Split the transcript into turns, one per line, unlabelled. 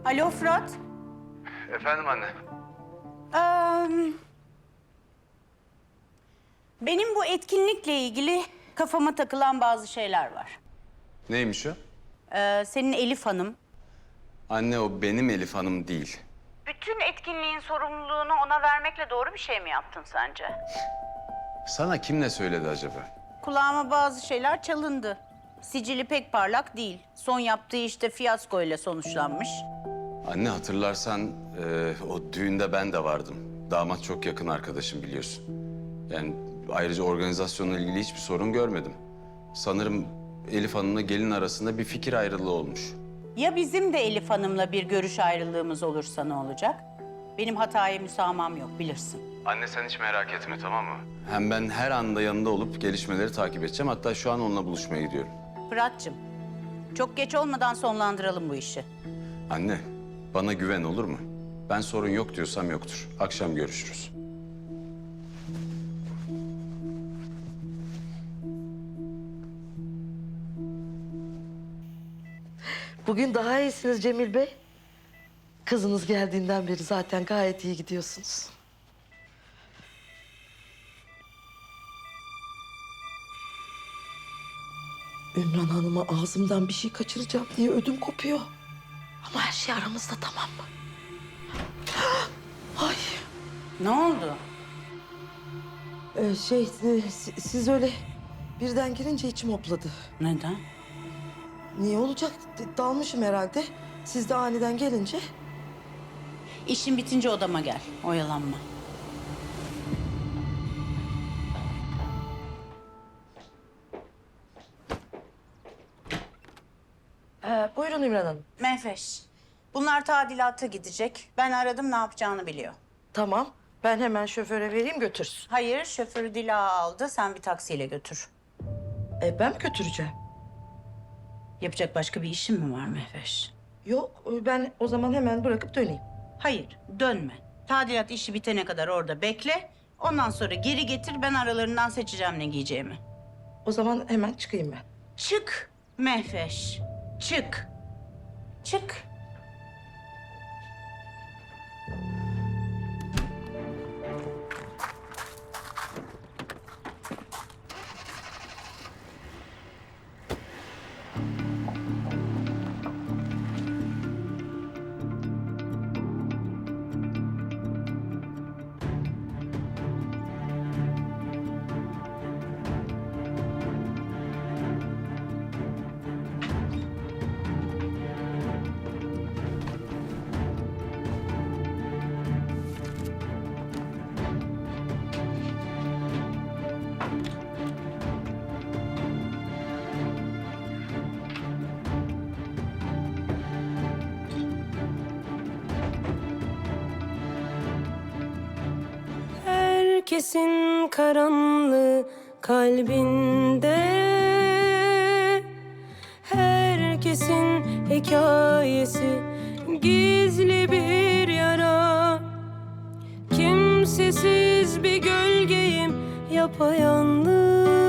Alo Fırat.
Efendim anne.
Benim bu etkinlikle ilgili kafama takılan bazı şeyler var.
Neymiş o?
Senin Elif Hanım.
Anne o benim Elif Hanım değil.
Bütün etkinliğin sorumluluğunu ona vermekle doğru bir şey mi yaptın sence?
Sana kim ne söyledi acaba?
Kulağıma bazı şeyler çalındı. Sicili pek parlak değil. Son yaptığı işte fiyasko ile sonuçlanmış.
Anne hatırlarsan o düğünde ben de vardım. Damat çok yakın arkadaşım biliyorsun. Yani ayrıca organizasyonla ilgili hiçbir sorun görmedim. Sanırım Elif Hanım'la gelin arasında bir fikir ayrılığı olmuş.
Ya bizim de Elif Hanım'la bir görüş ayrılığımız olursa ne olacak? Benim hataya müsamaham yok bilirsin.
Anne sen hiç merak etme tamam mı? Hem ben her anda yanında olup gelişmeleri takip edeceğim. Hatta şu an onunla buluşmaya gidiyorum.
Fırat'cığım, çok geç olmadan sonlandıralım bu işi.
Anne bana güven olur mu? Ben sorun yok diyorsam yoktur. Akşam görüşürüz.
Bugün daha iyisiniz Cemil Bey. Kızınız geldiğinden beri zaten gayet iyi gidiyorsunuz. Ümran Hanım'a ağzımdan bir şey kaçıracağım diye ödüm kopuyor. Ama her şey aramızda, tamam mı? Ay.
Ne oldu?
Siz öyle birden girince içim hopladı.
Neden?
Niye olacak? Dalmışım herhalde. Siz de aniden gelince.
İşin bitince odama gel, oyalanma.
Buyurun Ümran Hanım.
Mehveş, bunlar tadilata gidecek. Ben aradım, ne yapacağını biliyor.
Tamam. Ben hemen şoföre vereyim götürsün.
Hayır, şoförü Dila aldı. Sen bir taksiyle götür.
Ben mi götüreceğim?
Yapacak başka bir işin mi var Mehveş?
Yok, ben o zaman hemen bırakıp döneyim.
Hayır, dönme. Tadilat işi bitene kadar orada bekle. Ondan sonra geri getir, ben aralarından seçeceğim ne giyeceğimi.
O zaman hemen çıkayım ben.
Çık Mehveş, çık. Çık.
Herkesin karanlığı kalbinde, herkesin hikayesi gizli bir yara. Kimsesiz bir gölgeyim yapayalnız,